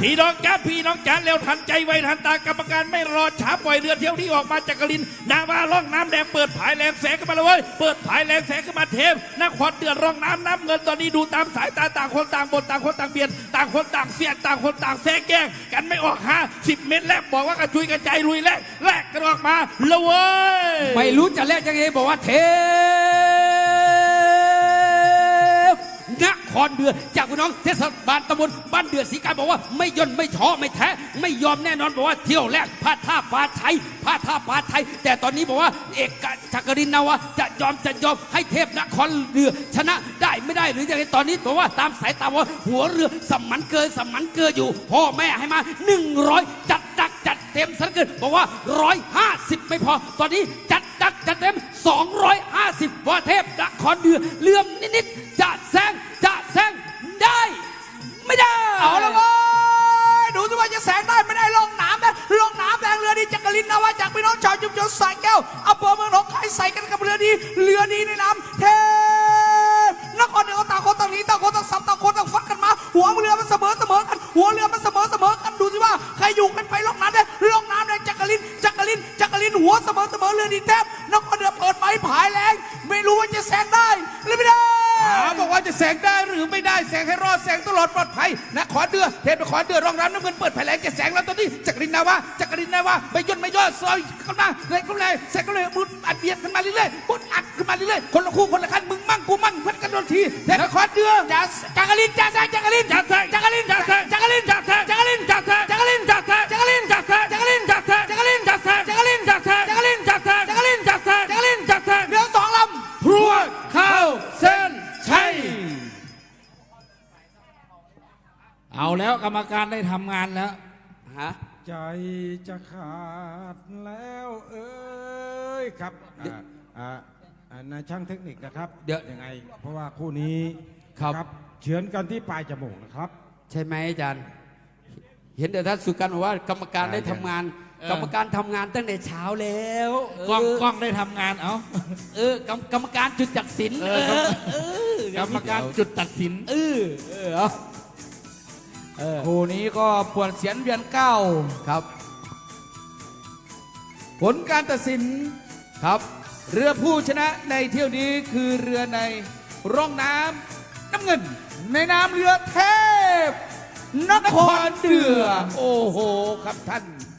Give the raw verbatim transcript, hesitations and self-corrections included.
พี่น้องจ้าพี่น้องจ๋าเร็วทันใจไวทันตากรรมการไม่รอช้าปล่อยเรือเที่ยวนี้ออกมาจากกลินนาวาล่องน้ำแดงเปิดผายแรงแสงขึ้นมาเลยเว้ยเปิดผายแรงแสงขึ้นมาเทมนครเดือดร่องน้ำน้ำเงินตอนนี้ดูตามสายตาต่างคนต่างบนต่างคนต่างเบียดต่างคนต่างเสียดต่างคนต่างแซงแกล้งกันไม่ออกหาสิบเมตรแรกบอกว่ากระจุยกระจายลุยแรกแรกกันออกมาเลยเว้ยไม่รู้จะแลกยังไงบอกว่าเทนครเดือจากพี่น้องเทศบาลตำบลบ้านเดือศรีการบอกว่าไม่ย่นไม่ท้อไม่แท้ไม่ยอมแน่นอนบอกว่าเที่ยวแรกพลาดท่าปลาชัยพลาดท่าปลาชัยแต่ตอนนี้บอกว่าเอกจักรินนาวะจะยอมจะยอมให้เทพนครเรือชนะได้ไม่ได้หรือยังไงตอนนี้บอกว่าตามสายตาว่าหัวเรือสมันเกินสมันเกินอยู่พ่อแม่ให้มาหนึ่งร้อยจัดดักจัดเต็มสักเกินบอกว่าร้อยห้าสิบไม่พอตอนนี้จัดดักจัดเต็มสองร้อยห้าสิบว่าเทพนครเรือเลื่อมนิดๆจะแซงจะแซงได้ไม่ได้เอาละเว้ยดูสิว่าจะแสงได้ไม่ได้ลงน้ำนะลงน้ำแดงเรือดีจักรินนาวะจากพี่น้องชาวชุมชนสายแก้วอำเภอเมืองหนองคายใส่กันกับเรือดีเรือดีในน้ำเทพนครเดือต่างคนต่างหนีต่างคนต่างสับต่างคนต่างฟัดกันมาหัวเรือมันเสมอเสมอกันหัวเรือมันเสมอเสมอกันดูสิว่าใครอยู่กันไปลงน้ำได้ลงน้ำแดงจักรินจักรินจักรินหัวเสมอเสมอเรือดีเทพนครเดือเปิดไม้ผายแรงไม่รู้ว่าจะแซงได้หรือไม่ได้บอกว่าจะแสงได้หรือไม่ได้แสงให้รอดแสงตลอดปลอดภัยนครเดือเทพนครเดือรองรับน้ำเงินเปิดแผลงจะแสงแล้วตอนนี้จักรินนาวะจักรินนาวะไม่ย่นไม่ย่อซอยกันมาเลยก็เลยแสงก็เลยมุดอัดเบียดขึ้นมาเรื่อยๆมุดอัดขึ้นมาเรื่อยๆคนละคู่คนละคันมึงมั่งกูมั่งเพื่อนกันโดนทีเทพนครเดือจักรินจักแซงจักรินจักแซงจักรินจักแซงจักรินจักแซงจักรินจักแซงจักรินจักแซงจักรินจักแซงจักรินจักแซงจักรินจักแซงจักรินจักแซงจักรินจักแซงจักรินจักแซงจักรินจักแซงเรือสองลำพรวดเข้าเส้นชัยเอาแล้วกรรมการได้ทำงานแล้วฮะใจจะขาดแล้วเอ้ยครับอ่านายช่างเทคนิคนะครับเดี๋ยวยังไงเพราะว่าคู่นี้ครับเฉือนกันที่ปลายจมูกนะครับใช่ไหมอาจารย์เห็นแต่ท่านสุกันบอกว่ากรรมการได้ทำงานกรรมการทำงานตั้งแต่เช้าแล้วกล้องกล้องได้ทำงานเอาเออกรรมการจุดตัดสินเออกรรมการจุดตัดสินเออเออคู่นี้ก็ปวดเสียนเวียนเก้าครับผลการตัดสินครับเรือผู้ชนะในเที่ยวนี้คือเรือในร่องน้ำน้ำเงินในน้ำเรือเทพนครเดือโอ้โหครับท่าน